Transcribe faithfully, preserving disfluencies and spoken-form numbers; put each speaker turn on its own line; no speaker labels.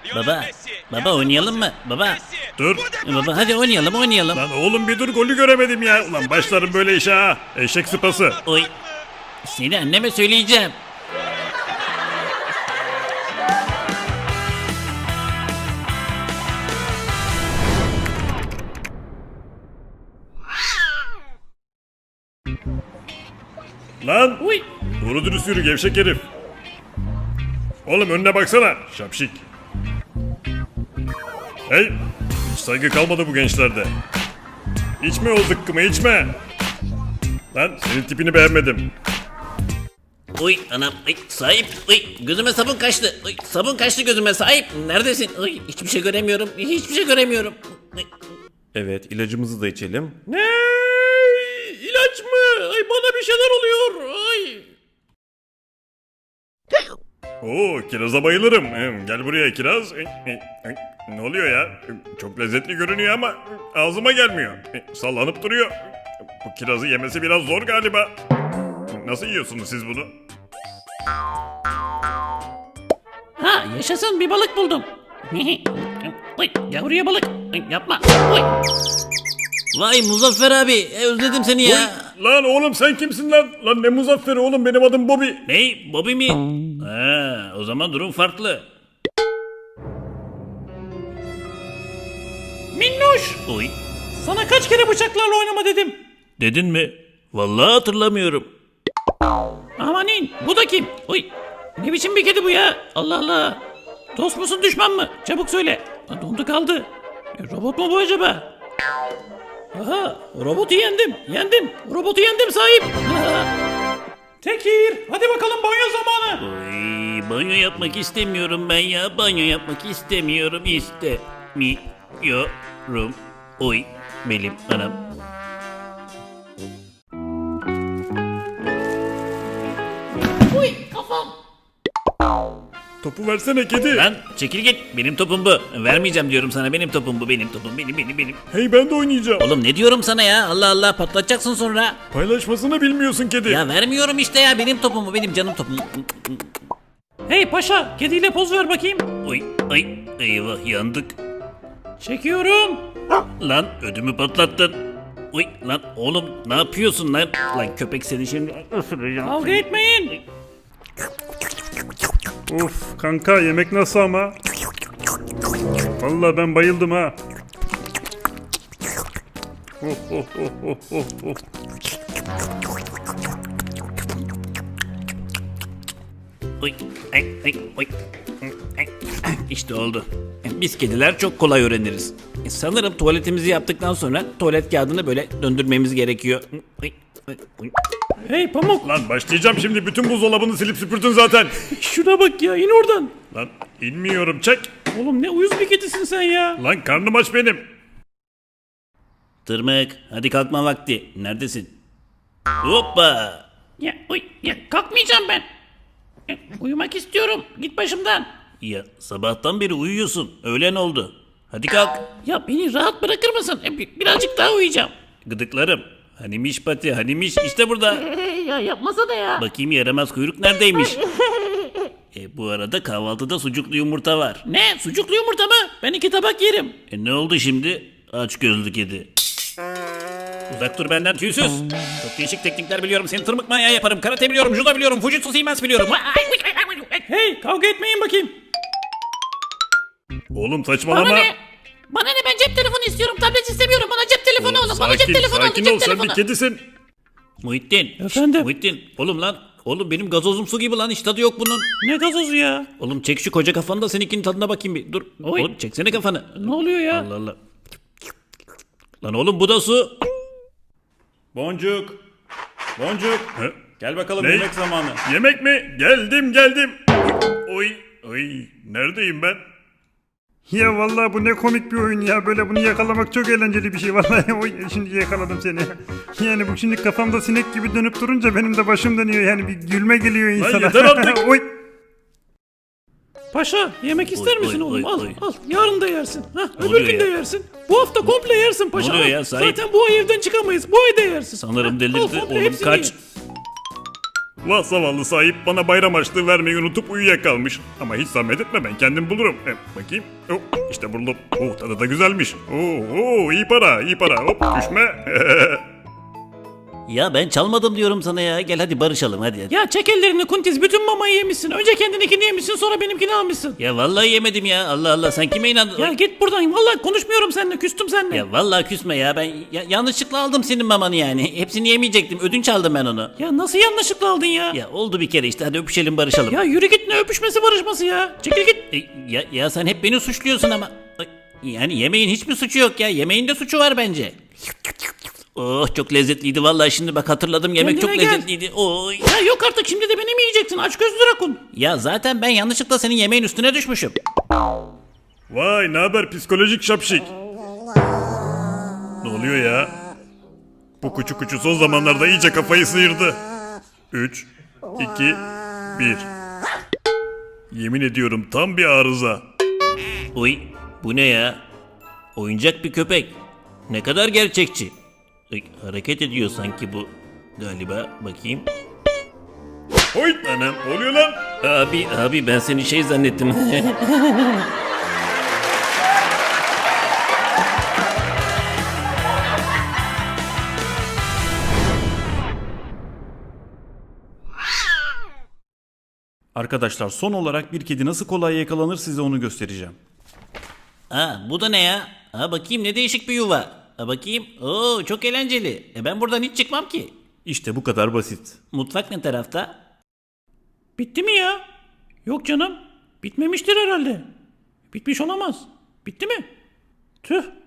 Baba, baba oynayalım mı? Baba,
Dur.
baba hadi oynayalım oynayalım.
Lan oğlum bir dur, golü göremedim ya. Ulan başlarım böyle işe ha. Eşek sıpası.
Oy, seni anneme söyleyeceğim.
Lan.
Uy.
Doğru dürüst yürü gevşek herif. Oğlum önüne baksana. Şapşik. Hey. Hiç saygı kalmadı bu gençlerde. İçme o zıkkımı içme. Lan senin tipini beğenmedim.
Uy anam, uy, sahip, uy, gözüme sabun kaçtı, uy, sabun kaçtı gözüme sahip, neredesin? Uy, hiçbir şey göremiyorum, hiçbir şey göremiyorum. Uy.
Evet, ilacımızı da içelim.
Ne? İlaç mı? Ay bana bir şeyler oluyor, ay.
Oo, kiraza bayılırım. Hmm, Gel buraya kiraz. Eh, eh, eh. Ne oluyor ya? Çok lezzetli görünüyor ama ağzıma gelmiyor. Eh, Sallanıp duruyor. Bu kirazı yemesi biraz zor galiba. Nasıl yiyorsunuz siz bunu?
Ha yaşasın bir balık buldum. Uy, yavruya balık, Uy, yapma. Uy. Vay Muzaffer abi, e, özledim seni ya.
Oy, lan oğlum sen kimsin lan? Lan ne Muzafferi oğlum, benim adım Bobby.
Ney, Bobby mi? Ha, o zaman durum farklı. Minnoş! Oy. Sana kaç kere bıçaklarla oynama dedim. Dedin mi? Vallahi hatırlamıyorum. Amanin, bu da kim? Oy. Ne biçim bir kedi bu ya? Allah Allah. Dost musun düşman mı? Çabuk söyle. Lan dondu kaldı. E, robot mu bu acaba? Aha, robotu yendim. Yendim. Robotu yendim sahip. Tekir, hadi bakalım banyo zamanı. Oy, banyo yapmak istemiyorum ben ya. Banyo yapmak istemiyorum. İstemiyorum. Oy, benim anam. Oy, kafam.
Topu versene kedi.
Lan çekil git. Benim topum bu. Vermeyeceğim diyorum sana. Benim topum bu. Benim topum. Benim benim benim.
Hey ben de oynayacağım.
Oğlum ne diyorum sana ya? Allah Allah patlatacaksın sonra.
Paylaşmasını bilmiyorsun kedi.
Ya vermiyorum işte ya. Benim topum bu. Benim canım topum. Hey paşa. Kediyle poz ver bakayım. Oy ay eyvah yandık. Çekiyorum. Lan ödümü patlattın. Oy lan oğlum ne yapıyorsun lan? Lan köpek seni şimdi ısıracağım. Kavga etmeyin.
Of kanka, yemek nasıl ama? Vallahi ben bayıldım ha. Oh oh oh oh oh oh.
Oy, ay, ay, oy. Ay, İşte oldu. Biz kediler çok kolay öğreniriz. Sanırım tuvaletimizi yaptıktan sonra tuvalet kağıdını böyle döndürmemiz gerekiyor. Oy, oy, oy. Hey Pamuk.
Lan başlayacağım şimdi, bütün buzdolabını silip süpürdün zaten.
Şuna bak ya, in oradan.
Lan inmiyorum, çek.
Oğlum ne uyuz bir kedisin sen ya.
Lan karnım aç benim.
Tırmık, hadi kalkma vakti. Neredesin? Hoppa. Ya, uy, ya kalkmayacağım ben. Ya, uyumak istiyorum. Git başımdan. Ya sabahtan beri uyuyorsun. Öğlen oldu. Hadi kalk. Ya beni rahat bırakır mısın? E, bir- birazcık daha uyuyacağım. Gıdıklarım. Hanimiş pati, hanimiş işte burada.
Ya yapmasana ya.
Bakayım yaramaz kuyruk neredeymiş? E, bu arada kahvaltıda sucuklu yumurta var. Ne? Sucuklu yumurta mı? Ben iki tabak yerim. E ne oldu şimdi? Aç gözlü kedi. Uzak dur benden tüysüz. Çok değişik teknikler biliyorum. Seni tırmık manyağı yaparım. Karate biliyorum, judo biliyorum, fujitsu siemens biliyorum. Hey kavga etmeyin bakayım.
Oğlum
Bana
saçmalama.
ne? Bana ne, ben cep telefonu istiyorum. Tablet istemiyorum. Bana cep telefonu
Oğlum,
olsun. Bana cep
sakin,
telefonu olsun.
sakin
Cep
ol, sen
telefonu.
bir kedisin.
Muhittin. Efendim? Muhittin. Oğlum lan. Oğlum benim gazozum su gibi lan. Hiç tadı yok bunun. Ne gazozu ya? Oğlum çek şu koca kafanı da seninkinin tadına bakayım bir. Dur.
Oy.
Oğlum çeksene kafanı. Ne oluyor ya? Allah Allah. Lan oğlum bu da su.
Boncuk. Boncuk.
He?
Gel bakalım
Ne?
yemek zamanı.
Yemek mi? Geldim geldim. Oy oy, neredeyim ben?
Ya vallahi bu ne komik bir oyun ya, böyle bunu yakalamak çok eğlenceli bir şey vallahi. Oy, şimdi yakaladım seni. Yani bu şimdi kafamda sinek gibi dönüp durunca benim de başım dönüyor, yani bir gülme geliyor insana.
yeter artık.
Oy.
Paşa yemek ister
Oy,
misin
oy,
oğlum?
oy,
al
oy.
al. Yarın da yersin. Hah, öbür
oluyor
gün de
ya?
yersin. Bu hafta komple yersin paşa.
oluyor
al.
ya, sahip?
Zaten bu ay evden çıkamayız. Bu ay da yersin.
Sanırım
Hah,
delirdi.
al, komple
Oğlum
hepsini
kaç.
ye.
Vah zavallı sahip bana bayram harçlığı vermeyi unutup uyuyakalmış. Ama hiç zahmet etme ben kendim bulurum. Hem, bakayım. Oh, işte buldum. Oh tadı da güzelmiş. Oo, oo, iyi para iyi para. Hop düşme.
Ya ben çalmadım diyorum sana ya. Gel hadi barışalım hadi. hadi.
Ya çek ellerini Kuntiz. Bütün mamayı yemişsin. Önce kendininkini yemişsin sonra benimkini almışsın.
Ya vallahi yemedim ya. Allah Allah sen kime inandın?
Ya git buradan. Vallahi konuşmuyorum seninle. Küstüm seninle.
Ya vallahi küsme ya. Ben ya- yanlışlıkla aldım senin mamanı yani. Hepsini yemeyecektim. Ödünç aldım ben onu.
Ya nasıl yanlışlıkla aldın ya?
Ya oldu bir kere işte. Hadi öpüşelim barışalım.
Ya yürü git, ne öpüşmesi barışması ya. Çekil git.
E, ya, ya sen hep beni suçluyorsun ama. Ay, yani yemeğin hiçbir suçu yok ya. Yemeğin de suçu var bence. Oh çok lezzetliydi vallahi şimdi bak hatırladım yemek
Kendine
çok
gel.
lezzetliydi. Oy.
Ya yok artık, şimdi de beni mi yiyeceksin? Aç gözlü rakun.
Ya zaten ben yanlışlıkla senin yemeğin üstüne düşmüşüm.
Vay ne haber psikolojik şapşik. Ne oluyor ya? Bu kuçu kuçu son zamanlarda iyice kafayı sıyırdı. üç, iki, bir. Yemin ediyorum tam bir arıza.
Uy bu ne ya? Oyuncak bir köpek. Ne kadar gerçekçi. Ay, hareket ediyor sanki bu. Galiba bakayım.
Hoy anam ne oluyor lan?
Abi abi ben seni şey zannettim.
Arkadaşlar son olarak bir kedi nasıl kolay yakalanır size onu göstereceğim.
Ha bu da ne ya? Ha bakayım ne değişik bir yuva. Ha bakayım. Oo çok eğlenceli. E ben buradan hiç çıkmam ki.
İşte bu kadar basit.
Mutfak ne tarafta?
Bitti mi ya? Yok canım. Bitmemiştir herhalde. Bitmiş olamaz. Bitti mi? Tüh.